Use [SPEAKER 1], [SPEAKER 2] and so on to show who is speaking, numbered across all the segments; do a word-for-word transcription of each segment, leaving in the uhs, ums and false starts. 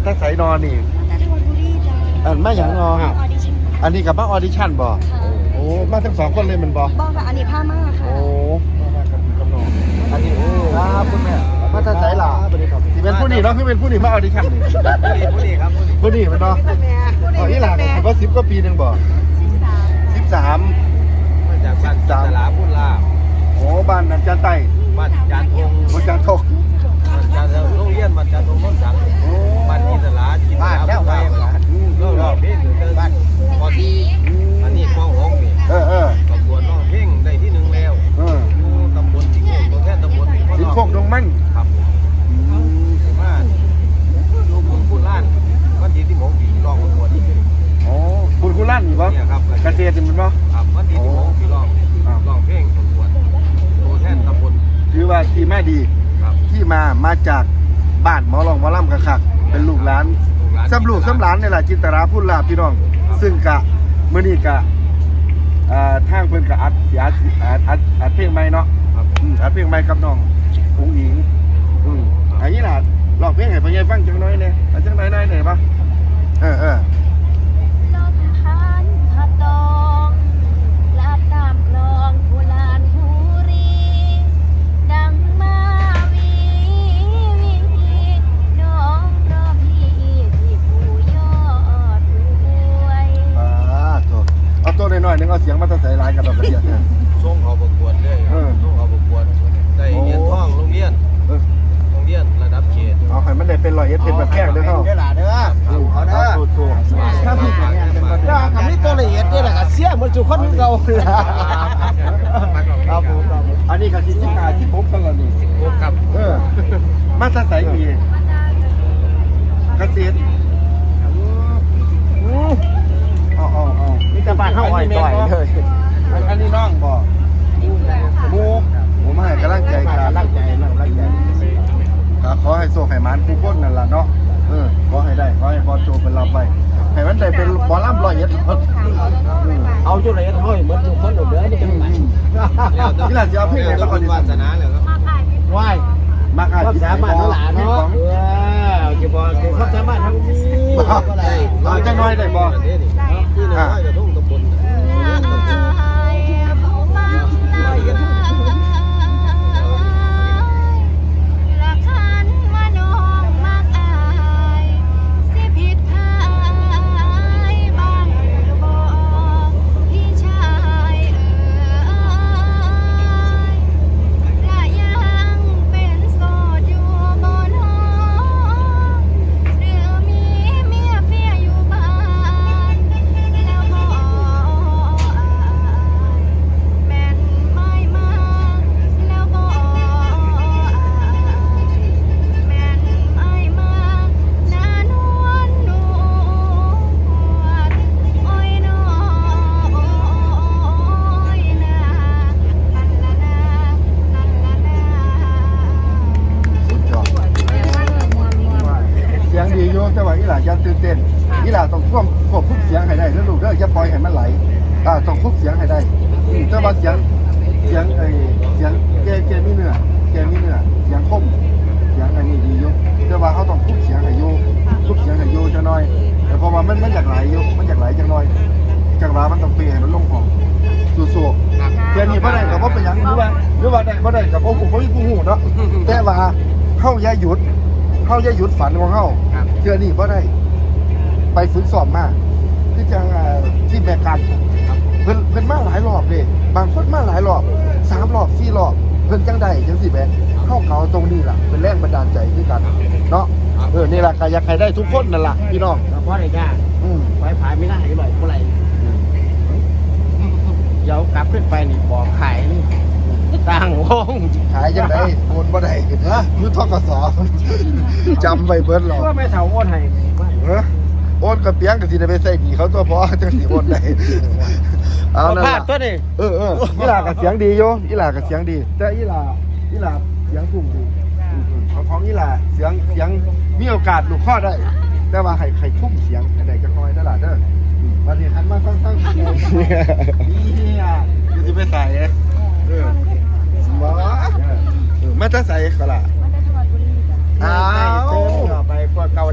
[SPEAKER 1] ถ้าใส่นอนนี่อันมาอย่างนออันนี้กับมาออดิชั่นบ่โอ้มาทั้งสองคนเลยมันบ่
[SPEAKER 2] บอกค่ะอันนี้ผ้ามากค่ะ
[SPEAKER 1] โอ้มากับกับน้องอันนี้ครับคุณแม่มาถ้าใส่ล่ะสิเป็นผู้นี้เนาะคือเป็นผู้นี้มาออดิชั่นนี่ผู้นี้ครับผู้นี้มันเนาะอ๋ออีหลานก็สิบกว่าปีนึงบ่สิบสาม
[SPEAKER 3] มาจากบ้านจันทราพุ่นลา
[SPEAKER 1] โอ้บ้านนันจันไต้
[SPEAKER 3] บ้านจันทง
[SPEAKER 1] บ้านจันทง
[SPEAKER 3] บ้านจันทงโรงเรียนบ้านจันทงต้นสังบ้านจิตรลาจิตรลาแล้วไปก็รอบเพลงอยู่บ้านพอดีอันนี้กองหงนี่
[SPEAKER 1] เออเออ
[SPEAKER 3] ประกวดร้องเพลงได้ที่หนึ่งแล้ว
[SPEAKER 1] เออ
[SPEAKER 3] อยู่ตำบลสิงห์โขงตัวแทนตำบล
[SPEAKER 1] สิงห์โขงดงมัน
[SPEAKER 3] ครับมาอยู่พุ่นพุ่นล้านวันที่ที่หมงปีร้องประกวดนี่
[SPEAKER 1] โอ้คุณคุณลั่นอยู่ปะ
[SPEAKER 3] เนี่ยครับ
[SPEAKER 1] กระเทียมมันปะ
[SPEAKER 3] ครับวันที่ที่หมงปีร้องร้องเพลงประกวดตัวแทนตำบล
[SPEAKER 1] ถือว่าที่มาดีที่มามาจากบ้านหมอลองหมอลำกระคักเป็นลูกหลานซ้ำลูกซ้ำหลานนี่แหละจินตราพูดลาพี่น้องซึ่งกะเมื่อนี้กะทางเพิ่นกะอัดอัดอัดอัดอัดเพลงใหม่เนาะอัดเพลงใหม่กับน้องอุ้งอิงอืมอันนี้ล่ะลองเพลงให้พ่อใหญ่ฟังจังน้อยเนี่ยจังน้อยน้อยหน่อยปะเออเออ
[SPEAKER 2] ลมพันพัดตองลาดตามคลองผู้ลานผู้รีดังมาวีวีน้องรอพี่ที่ผู้ยอดรวย
[SPEAKER 1] อ่าตัวเอาตัวน้อยๆนึงเอาเสียงมาใส่ลายกันแบบนี้เนี่ย
[SPEAKER 3] ส่งเขาประกวดเลยส่งเขาประกวดได้เงินท่องโรงเรียนโรงเรียนระดับเขต
[SPEAKER 1] เอาให้มันได้เป็นรอยเอสเป็นแบบแพงเด้อเขา
[SPEAKER 3] เด้อล่ะเด้อเอาเด้อ
[SPEAKER 1] ถ้าพี่
[SPEAKER 3] ถ้าทำนี่ตัวละเอียดนี่แหละก็เสียมันจุคนเก่า
[SPEAKER 1] ครับผมอันนี้ก็ที่ที่มาที่ผมกันแล้วนี่
[SPEAKER 3] ครับ
[SPEAKER 1] เออมาตาใสมีเกษตรอ๋ออ๋ออ๋อนี่จะบ้านเฮาอ้อยต่อยเลยอันนี้น้องบ่หมูผมให้กำลังใจกำลังใจกำลังใจขอให้โชคให้มันผู้คนนั่นล่ะเนาะเออขอให้ได้ขอให้บอลโจเป็นรับไปให้มันได้เป็นบอลล่ำร้อยเอ็ด
[SPEAKER 3] เอาจุดละเอียดห้อยเหมือนทุกคนเด้อนี่จังไหน
[SPEAKER 1] นี่แหละจะเอาเพลงไหนมาก่อนดี
[SPEAKER 3] วาสนาเลยครับ
[SPEAKER 1] ว้ายมากอ่ะ
[SPEAKER 3] ความสามารถเท่าหลานเนาะเออเก็บบอลเก็บความสามารถทั้งนี้
[SPEAKER 1] เอาจังน้อยได้บ่
[SPEAKER 3] ที่น้อยจะทุ่งตำบล
[SPEAKER 1] อย่าตื่นเต้นนี่แหละต้องควบควบคุมเสียงให้ได้แล้วลูกเด้ออย่าปล่อยให้มันไหลอ่าต้องควบเสียงให้ได้แต่ว่าเสียงเสียงไอ้เสียงแกแกมีเนื้อแกมีเนื้อเสียงคมเสียงอันนี้ดีอยู่แต่ว่าเขาต้องควบเสียงให้อยู่ควบเสียงให้อยู่จังหน่อยแต่พอว่ามันมันอยากไหลอยู่มันอยากไหลจังหน่อยจังหวะมันต้องเปลี่ยนให้มันลงของสู้ๆแกนี่บ่ได้ก็บ่เป็นหยังหรือว่าหรือว่าได้บ่ได้ก็บ่ฮู้บ่มีผู้ฮู้เนาะแต่ว่าเฮาอย่าหยุดเฮาอย่าหยุดฝันของเฮาเทื่อนี้บ่ได้ไปฝึกสอบมาที่จังที่แบกกันเพิ่นเพิ่นมาหลายรอบเลยบางคนมาหลายรอบสามรอบสี่รอบเพิ่นจังได้จังสิแบกเข้าเขาตรงนี้ล่ะเป็นแรงบันดาลใจด้วยกันเนาะเออนี่ล่ะก็อยากให้ได้ทุกคนนั่นล่ะพี่น้อง
[SPEAKER 3] เพราะอะไรจ้า
[SPEAKER 1] อืม
[SPEAKER 3] ไฟผายไม่น่าให้บ่อยเท่าไหร่เดี๋ยวกลับขึ้นไปนี่บอกขายนี่ต่างวง
[SPEAKER 1] ขายจังได๋โอนบ่ได้เด้อคือทกสจำไว้เบิดหรอก
[SPEAKER 3] ก็ไม่เท่าโอนให้
[SPEAKER 1] เออโอนกับเปียงก็สิได้ไปใส่ดีเขาตัวพอจังสิโอนได้
[SPEAKER 3] เอานั่นล่ะตัวนี้
[SPEAKER 1] เออๆอีหล่าก็เสียงดีอยู่อีหล่าก็เสียงดีแต่อีหล่าอีหล่าเสียงสูงดีของของอีหล่าเสียงเสียงมีโอกาสลูกข้อได้แต่ว่าให้ให้คุ้มเสียงให้ได้จักหน่อยเด้อล่ะเด้อบัดนี้หันมาฟังๆนี่อ่ะสิไปใส่เออบ่เออมาจะใส่ก็ล่ะอ้าวไปกว่าเก่าได้มาเข้ามา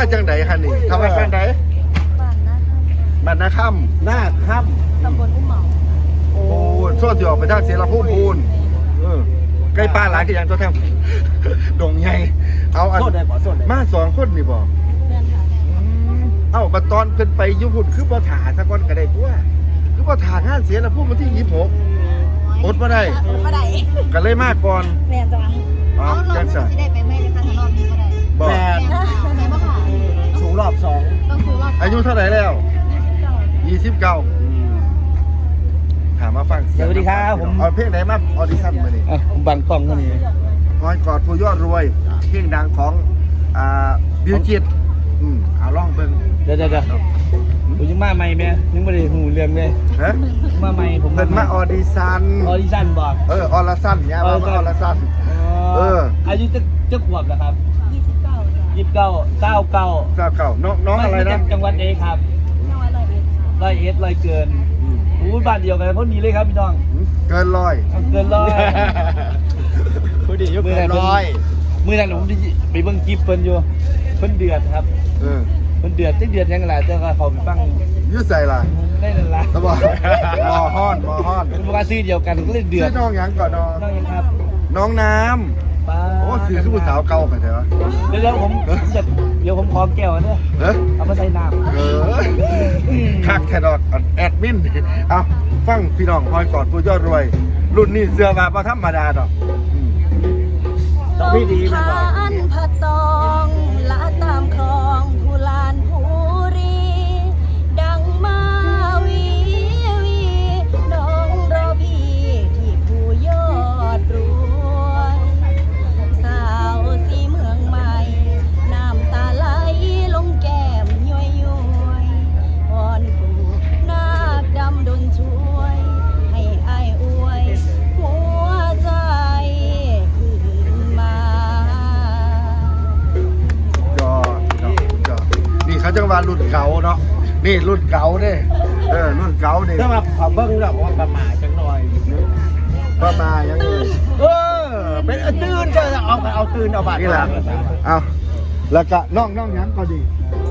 [SPEAKER 1] มาจังไดคะนี่ทำมาจังได
[SPEAKER 2] บ้านนะคะ
[SPEAKER 1] บ้านนาค่
[SPEAKER 3] หน้าค่
[SPEAKER 2] ตำบลอุ้มเหมา
[SPEAKER 1] ำโอ้ส่วนที่ออกไปทางเสียละพุ่มพูนเออใกล้ป้าหลานก็ยังตัวแทง ดงใหญ่เอาอัน
[SPEAKER 3] ำโทษได้บ่โทษได้
[SPEAKER 1] มาสองคนนี่บ่
[SPEAKER 2] แม่นค่ะ
[SPEAKER 1] เอ้าบัดตอนเพิ่นไปอยู่พุ่นคือบ่ถ่าสักคนก็ได้ตัวคือบ่ถ่างานเสียละพุ่มวันที่ยี่สิบหกอดบ่ได้
[SPEAKER 2] อดบ่ได้
[SPEAKER 1] ก็เลยมาก่อน
[SPEAKER 2] แม่จ้ะ
[SPEAKER 1] อ๋อ
[SPEAKER 2] เอารอ
[SPEAKER 1] จั
[SPEAKER 2] บ
[SPEAKER 1] ง
[SPEAKER 2] นี้
[SPEAKER 1] ซั่น
[SPEAKER 2] สิได้ไปไหมนะคะถ้ารอบนี้บ่ได้
[SPEAKER 1] บ่
[SPEAKER 3] แม่
[SPEAKER 2] แม่บ่ค่ะ
[SPEAKER 3] สูงรอบสอง
[SPEAKER 2] ต้องสู่รอบ
[SPEAKER 1] อายุเท่าไหร่แล้ว
[SPEAKER 2] ยี่สิบเก้า
[SPEAKER 1] ยี่สิบเก้าถามมาฟังเสียง
[SPEAKER 3] สวัสดีครับผม
[SPEAKER 1] เอาเพลงไหนมาออดิชั่นมานี่
[SPEAKER 3] อ่ะผมบังกล้องเท่านี้
[SPEAKER 1] คอยกอดผู้ยอดรวยเพลงดังของอ่าบิวจิตอืมเอาลองเบิ่ง
[SPEAKER 3] เดี๋ยวเดี๋ยวเดี๋ยวผมยังมาใหม่ไหมยังไม่ได้หูเรื่องเลย
[SPEAKER 1] ฮะ
[SPEAKER 3] มาใหม่ผม
[SPEAKER 1] เพิ่นมาออดิชั่น
[SPEAKER 3] ออดิชั่นบอก
[SPEAKER 1] เออออลชั่นเนี่ยมามาออลชั่น เออ
[SPEAKER 3] อายุจะจะขวบแล้วครับ
[SPEAKER 2] ยี่สิบเก้าจ้ะ
[SPEAKER 3] ยี่สิบเก้าเก้าเก้า
[SPEAKER 1] เจ้าเก่าน้องน้องอะไรนะ
[SPEAKER 3] จังหวัดเอครับ
[SPEAKER 2] จังหวัดร้อยเอ็ดค่ะ
[SPEAKER 3] ร้อยเอ็ดร้อยเกิน
[SPEAKER 1] อืม
[SPEAKER 3] อู้บ้านเดียวกันคนนี้เลยครับพี่น้อง
[SPEAKER 1] เกินร้อย
[SPEAKER 3] เกินร้อย
[SPEAKER 1] ผู้ดียก
[SPEAKER 3] มือ
[SPEAKER 1] เกิ
[SPEAKER 3] นั้น
[SPEAKER 1] นร้อย
[SPEAKER 3] มือนั้นผมไปเบิ่งคลิปเพิ่นอยู่เพิ่นเดือดครับ
[SPEAKER 1] เออ
[SPEAKER 3] เพิ่นเดือดจังเดือดยังไงแต่ก็เขาไปฟัง
[SPEAKER 1] อยืดใส่ล่ะ
[SPEAKER 3] ได้นั่นล่ะ
[SPEAKER 1] ตะบอกมอฮ้อนมอฮ้อน
[SPEAKER 3] เป็นว่าซื้อเดียวกันก็เลยเดือ
[SPEAKER 1] ชื่
[SPEAKER 3] ด
[SPEAKER 1] อน้องหยังก่อนน้อง
[SPEAKER 3] น้องยังครับ
[SPEAKER 1] น้องน้
[SPEAKER 3] ป้า
[SPEAKER 1] ำโอ้สื่อคือผู้สาวเก่าไปเถอะ
[SPEAKER 3] เดี๋ยวเดี๋ยวผมผมจะเดี๋ยวผมขอแก้วเด้อ
[SPEAKER 1] เฮ้ย
[SPEAKER 3] เอามาใส่น้ำ
[SPEAKER 1] เออคักแค่ดอกแอดมินเอาฟังพี่น้องคอยกอดผู้ยอดรวย รุ่นนี้เสื้อมาประธรรมดาดอกอืม
[SPEAKER 3] ต้องพี่ดีมันก่อน
[SPEAKER 2] ผ่านผาตองละตามคลองผู้ลานผู้รี ดังมาวีวีน้องรอพี่ที่ผู้ยอดรวย สาวสีเมืองใหม่ น้ำตาไหลลงแก้มย้อยย้อยวอนปู่นาคดำดนช่วย ให้อายอวย หัวใจขึ้นมา
[SPEAKER 1] ยอดยอดยอดนี่เขาจะว่ารุ่นเก่าเนาะนี่รุ่นเก่าเด้เออรุ่นเก่าเด้
[SPEAKER 3] ถ้ามาขอเบิ้งแล้วว่าประมาทจังหน่อย
[SPEAKER 1] ประมายังไง
[SPEAKER 3] เออเป็นเอาตื่นจะเอาเอาตื่นเอาบาด
[SPEAKER 1] นี่แหละเอาแล้วก็น้องน้องหยังก็ดี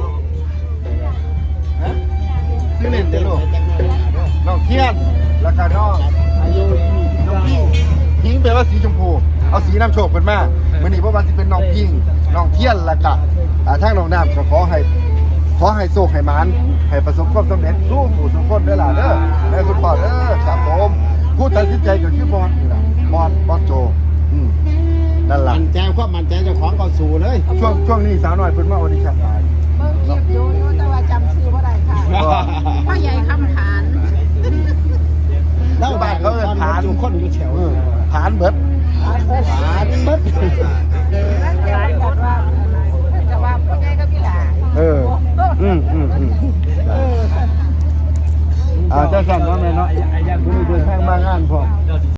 [SPEAKER 1] ฮะชื่อเล่นเด้อลูกน้องเทียนแล้วก็น้อง
[SPEAKER 3] อายุยี่สิบ
[SPEAKER 1] น้อง
[SPEAKER 3] เก้า
[SPEAKER 1] พิงพิงแปลว่าสีชมพู เอาสีน้ำโชคเป็นมามื่อนี้เพราะว่าสิเป็นน้องพิงน้องเทียนแล้วก็อ่าทางน้องน้ำก็ขอให้ขอให้โชคให้หมานให้ประสบความสำเร็จสู้ผู้สุขคนเด้อล่ะเด้อแม่คุณพ่อเด้อครับผมผู้ตัดสินใจก็คือบอลนี่ล่ะบอลบอลโจอืมนั่นล่ะ
[SPEAKER 3] มันใจความมันใจเจ้าของก็สู่เลย
[SPEAKER 1] ช่วงช่วงนี้สาวน้อยเพิ่นมาออดิชั่นหลาย
[SPEAKER 4] เบิ่งคลิปอยู่อยู่แต่ว่าจำชื่อบ่ได้ค่ะพ่อใหญ่คำผาน
[SPEAKER 1] แล้วบ้านเขาเอิ้นผาน
[SPEAKER 3] อยู่คนอยู่แถว
[SPEAKER 1] เออผานเบิด
[SPEAKER 3] ผานเบิด
[SPEAKER 4] หลายคนว่าจะว่าพ่อใหญ่ก็พี่หลา
[SPEAKER 1] เอออืมอืมอืมอ่าเจ้าสั่นว่าแม่เนาะ
[SPEAKER 3] ไอ้ยัน
[SPEAKER 1] ผู้นี้เดินทางมางานพร้อม